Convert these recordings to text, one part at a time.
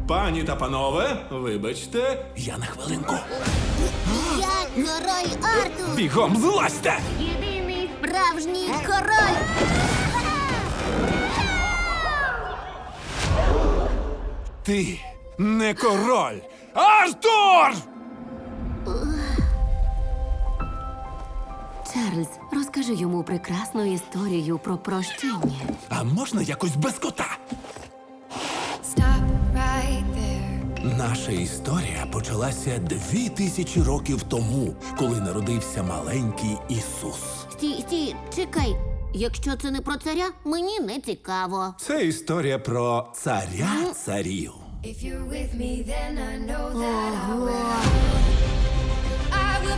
Пані та панове, вибачте, я на хвилинку. Я король Артур! Бігом злазьте! Єдиний справжній король! Ти не король! Артур! Чарльз, розкажи йому прекрасну історію про прощення. А можна якось без кота? Stop right there. Наша історія почалася 2000 років тому, коли народився маленький Ісус. Стій, чекай. Якщо це не про царя, мені не цікаво. Це історія про царя царів. If you're with me, then I know that I will. I will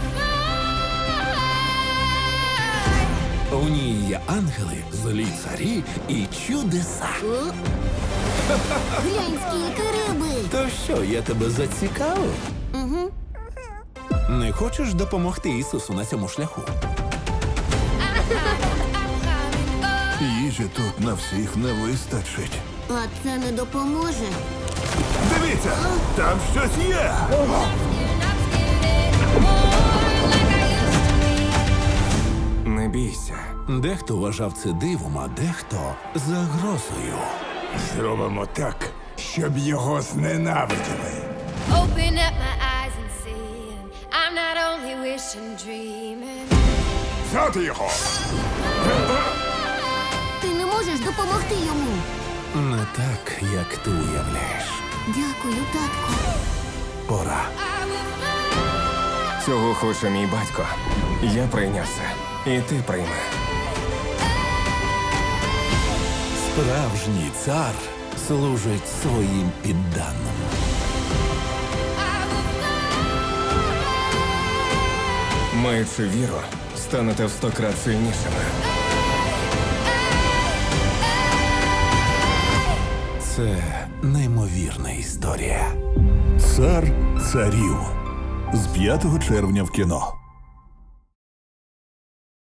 fly. У ній є ангели, злі царі і чудеса. О? Глянь, скільки риби! То що, я тебе зацікавив? Угу. Не хочеш допомогти Ісусу на цьому шляху? Їжі тут на всіх не вистачить. А це не допоможе. Дивіться, там щось є. Не бійся. Дехто вважав це дивом, а дехто загрозою. Зробимо так, щоб його зненавиділи. Open up my eyes and see. And I'm not only wishing, dreaming. Взяти його! Ти не можеш допомогти йому. Не так, як ти уявляєш. Дякую, татку. Пора. Цього хоче мій батько. Я прийняв це. І ти прийми. Справжній цар служить своїм підданим. Маючи віру, станете в 100 крат сильнішими. Це неймовірна історія. Цар царів з 5 червня в кіно.